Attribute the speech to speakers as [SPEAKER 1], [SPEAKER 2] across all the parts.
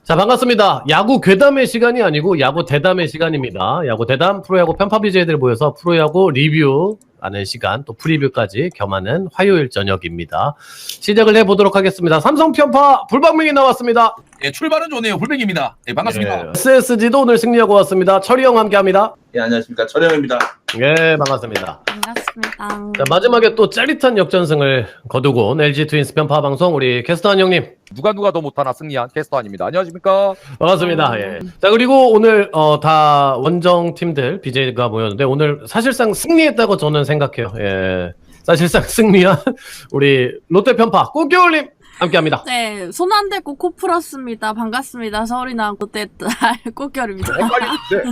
[SPEAKER 1] 자, 반갑습니다. 야구 괴담의 시간이 아니고 야구 대담의 시간입니다. 야구 대담, 프로야구 편파 BJ들 모여서 프로야구 리뷰하는 시간, 또 프리뷰까지 겸하는 화요일 저녁입니다. 시작을 해보도록 하겠습니다. 삼성 편파 불방명이 나왔습니다.
[SPEAKER 2] 예, 출발은 좋네요. 불백입니다. 예, 반갑습니다.
[SPEAKER 1] 예, SSG도 오늘 승리하고 왔습니다. 철이 형 함께합니다.
[SPEAKER 3] 예, 안녕하십니까. 철영입니다.
[SPEAKER 1] 예, 반갑습니다.
[SPEAKER 4] 반갑습니다.
[SPEAKER 1] 자, 마지막에 또 짜릿한 역전승을 거두고 온 LG 트윈스 편파 방송 우리 캐스터 한 형님.
[SPEAKER 5] 누가 더 못하나 승리한 캐스터 아닙니다. 안녕하십니까?
[SPEAKER 1] 반갑습니다. 예. 자, 그리고 오늘 다 원정 팀들 BJ가 모였는데 오늘 사실상 승리했다고 저는 생각해요. 예. 사실상 승리한 우리 롯데 편파 꽃겨울님 함께합니다.
[SPEAKER 4] 네, 손 안 대고 코 풀었습니다. 반갑습니다. 서울이 나온 롯데 딸 꽃결입니다.
[SPEAKER 5] 헷갈리는데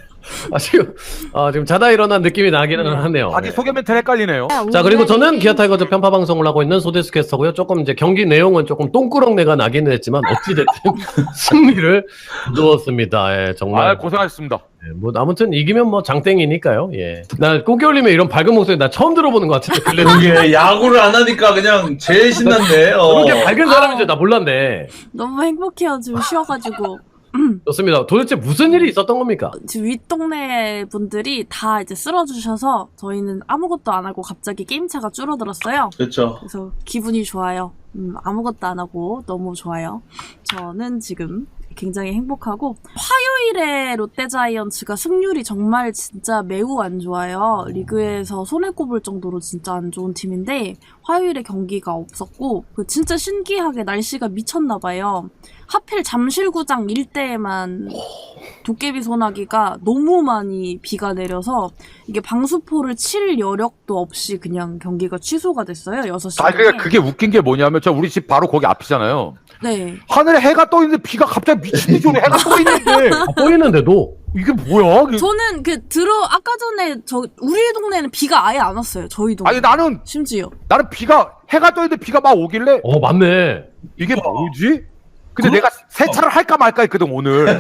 [SPEAKER 1] 지금 자다 일어난 느낌이 나기는 하네요.
[SPEAKER 5] 자기
[SPEAKER 1] 예.
[SPEAKER 5] 소개 멘트 헷갈리네요.
[SPEAKER 1] 자, 그리고 저는 기아 타이거즈 편파 방송을 하고 있는 소데스 캐스터고요. 조금 이제 경기 내용은 조금 똥꾸렁내가 나기는 했지만 어찌됐든 승리를 거두었습니다. 예, 정말.
[SPEAKER 5] 고생하셨습니다.
[SPEAKER 1] 예, 뭐 아무튼 이기면 뭐 장땡이니까요. 예. 나 꽃겨울님의 이런 밝은 목소리 나 처음 들어보는 것 같은데.
[SPEAKER 3] 이게 야구를 안 하니까 그냥 제일 신난데.
[SPEAKER 1] 그렇게 밝은 사람인지 나 몰랐네.
[SPEAKER 4] 너무 행복해요. 지금 쉬어가지고.
[SPEAKER 1] 좋습니다. 도대체 무슨 일이 있었던 겁니까?
[SPEAKER 4] 지금 윗동네 분들이 다 이제 쓸어주셔서 저희는 아무것도 안 하고 갑자기 게임차가 줄어들었어요.
[SPEAKER 3] 그렇죠.
[SPEAKER 4] 그래서 기분이 좋아요. 아무것도 안 하고 너무 좋아요. 저는 지금 굉장히 행복하고 화요일에 롯데자이언츠가 승률이 정말 진짜 매우 안 좋아요. 리그에서 손에 꼽을 정도로 진짜 안 좋은 팀인데 화요일에 경기가 없었고 진짜 신기하게 날씨가 미쳤나 봐요. 하필 잠실구장 일대에만 도깨비 소나기가 너무 많이 비가 내려서 이게 방수포를 칠 여력도 없이 그냥 경기가 취소가 됐어요. 6시간에.
[SPEAKER 5] 그러니까 그게 웃긴 게 뭐냐면 우리 집 바로 거기 앞이잖아요.
[SPEAKER 4] 네.
[SPEAKER 5] 하늘에 해가 떠 있는데 비가 갑자기 미친 듯이 오네. 해가 떠 있는데
[SPEAKER 1] 보이는데도
[SPEAKER 5] 이게 뭐야?
[SPEAKER 4] 저는 아까 전에 우리 동네는 비가 아예 안 왔어요. 저희 동네.
[SPEAKER 5] 아니 나는
[SPEAKER 4] 심지어.
[SPEAKER 5] 비가 해가 떠 있는데 비가 막 오길래
[SPEAKER 1] 맞네.
[SPEAKER 5] 이게 뭐지? 근데 내가 세차를 할까 말까 했거든 오늘.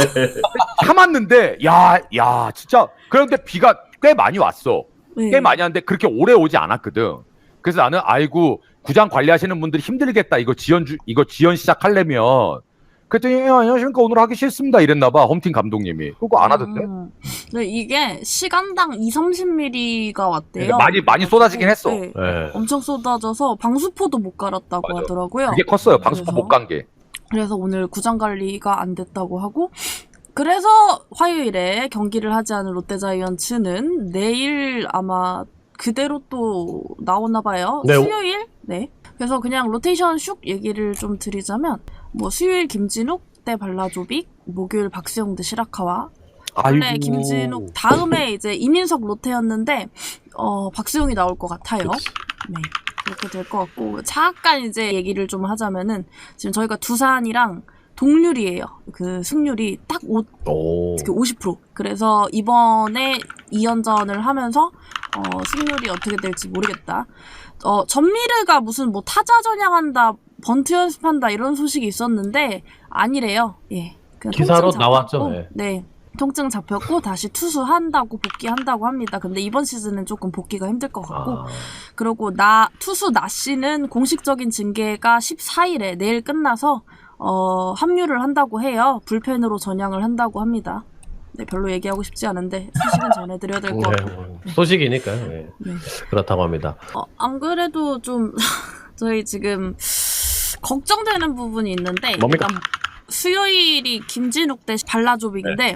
[SPEAKER 5] 참았는데 야 진짜 그런데 비가 꽤 많이 왔어.
[SPEAKER 4] 네.
[SPEAKER 5] 꽤 많이 왔는데 그렇게 오래 오지 않았거든. 그래서 나는 아이고 구장 관리하시는 분들이 힘들겠다. 이거 지연 시작하려면. 그랬더니 안녕하십니까 오늘 하기 싫습니다 이랬나봐 홈팀 감독님이. 그거 안 하던데.
[SPEAKER 4] 네, 이게 시간당 2-30mm가 왔대요.
[SPEAKER 5] 많이 쏟아지긴 했어.
[SPEAKER 4] 네.
[SPEAKER 1] 예.
[SPEAKER 4] 엄청 쏟아져서 방수포도 못 갈았다고
[SPEAKER 5] 맞아.
[SPEAKER 4] 하더라고요.
[SPEAKER 5] 그게 컸어요. 방수포
[SPEAKER 4] 그래서?
[SPEAKER 5] 못 간 게.
[SPEAKER 4] 그래서 오늘 구장 관리가 안 됐다고 하고 그래서 화요일에 경기를 하지 않은 롯데자이언츠는 내일 아마 그대로 또 나오나 봐요.
[SPEAKER 1] 네.
[SPEAKER 4] 수요일? 네. 그래서 그냥 로테이션 슉 얘기를 좀 드리자면 뭐 수요일 김진욱 대 발라조빅, 목요일 박수영 대 시라카와 원래 김진욱 다음에 이제 이민석 로테였는데 박수영이 나올 것 같아요. 네. 그렇게 될 것 같고 잠깐 이제 얘기를 좀 하자면은 지금 저희가 두산이랑 동률이에요. 그 승률이 딱 50%. 그래서 이번에 2연전을 하면서 승률이 어떻게 될지 모르겠다. 전미르가 무슨 뭐 타자 전향한다, 번트 연습한다 이런 소식이 있었는데 아니래요. 예. 그냥
[SPEAKER 1] 기사로
[SPEAKER 4] 통증
[SPEAKER 1] 나왔죠.
[SPEAKER 4] 잡혔고,
[SPEAKER 1] 예.
[SPEAKER 4] 네. 통증 잡혔고 다시 투수한다고 복귀한다고 합니다. 근데 이번 시즌은 조금 복귀가 힘들 것 같고 그리고 투수 나씨는 공식적인 징계가 14일에 내일 끝나서 합류를 한다고 해요. 불펜으로 전향을 한다고 합니다. 네, 별로 얘기하고 싶지 않은데 소식은 전해드려야 될 것 같고
[SPEAKER 1] 소식이니까요. 예.
[SPEAKER 4] 네.
[SPEAKER 1] 그렇다고 합니다.
[SPEAKER 4] 안 그래도 좀 저희 지금 걱정되는 부분이 있는데
[SPEAKER 1] 뭡니까?
[SPEAKER 4] 일단 수요일이 김진욱 대 발라조빅인데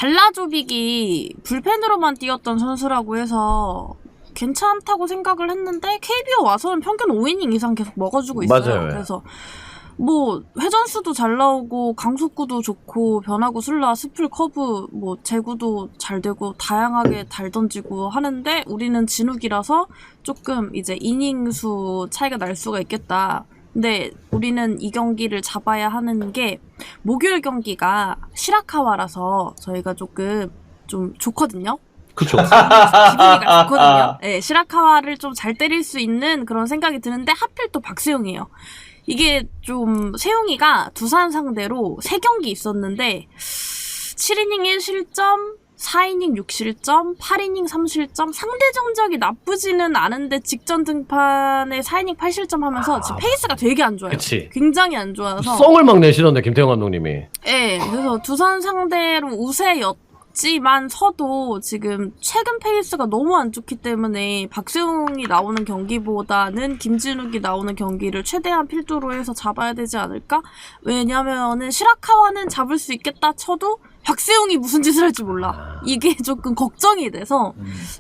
[SPEAKER 4] 발라조빅이 불펜으로만 뛰었던 선수라고 해서 괜찮다고 생각을 했는데 KBO 와서는 평균 5이닝 이상 계속 먹어주고 있어요.
[SPEAKER 1] 맞아요.
[SPEAKER 4] 그래서 뭐 회전수도 잘 나오고 강속구도 좋고 변화구 슬라 스플 커브 뭐 제구도 잘 되고 다양하게 잘 던지고 하는데 우리는 진욱이라서 조금 이제 이닝 수 차이가 날 수가 있겠다. 근데 우리는 이 경기를 잡아야 하는 게 목요일 경기가 시라카와라서 저희가 조금 좀 좋거든요.
[SPEAKER 1] 그쵸.
[SPEAKER 4] 기분이가 좋거든요. 네, 시라카와를 좀 잘 때릴 수 있는 그런 생각이 드는데 하필 또 박세용이에요. 이게 좀 세용이가 두산 상대로 3경기 있었는데 7이닝 1실점 4이닝 6실점, 8이닝 3실점, 상대 정적이 나쁘지는 않은데 직전 등판에 4이닝 8실점 하면서 지금 페이스가 되게 안 좋아요.
[SPEAKER 1] 그치.
[SPEAKER 4] 굉장히 안 좋아서.
[SPEAKER 1] 썽을 막 내시던데 김태형 감독님이.
[SPEAKER 4] 네, 그래서 두산 상대로 우세였지만서도 지금 최근 페이스가 너무 안 좋기 때문에 박세웅이 나오는 경기보다는 김진욱이 나오는 경기를 최대한 필두로 해서 잡아야 되지 않을까? 왜냐면은 시라카와는 잡을 수 있겠다 쳐도 박세웅이 무슨 짓을 할지 몰라. 이게 조금 걱정이 돼서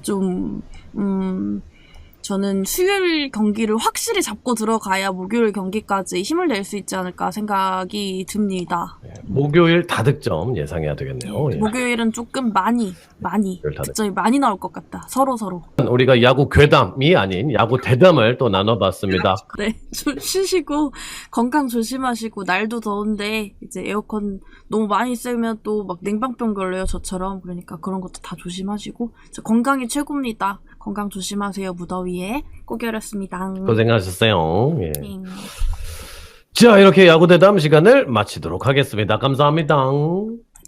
[SPEAKER 4] 저는 수요일 경기를 확실히 잡고 들어가야 목요일 경기까지 힘을 낼 수 있지 않을까 생각이 듭니다.
[SPEAKER 1] 목요일 다득점 예상해야 되겠네요. 예.
[SPEAKER 4] 목요일은 조금 많이 득점이 많이 나올 것 같다. 서로.
[SPEAKER 1] 우리가 야구 괴담이 아닌 야구 대담을 또 나눠봤습니다.
[SPEAKER 4] 네, 좀 쉬시고 건강 조심하시고 날도 더운데 이제 에어컨 너무 많이 쐬면 또 막 냉방병 걸려요 저처럼. 그러니까 그런 것도 다 조심하시고 건강이 최고입니다. 건강 조심하세요. 무더위에 고결했습니다.
[SPEAKER 1] 고생하셨어요. 예. 자, 이렇게 야구 대담 시간을 마치도록 하겠습니다. 감사합니다.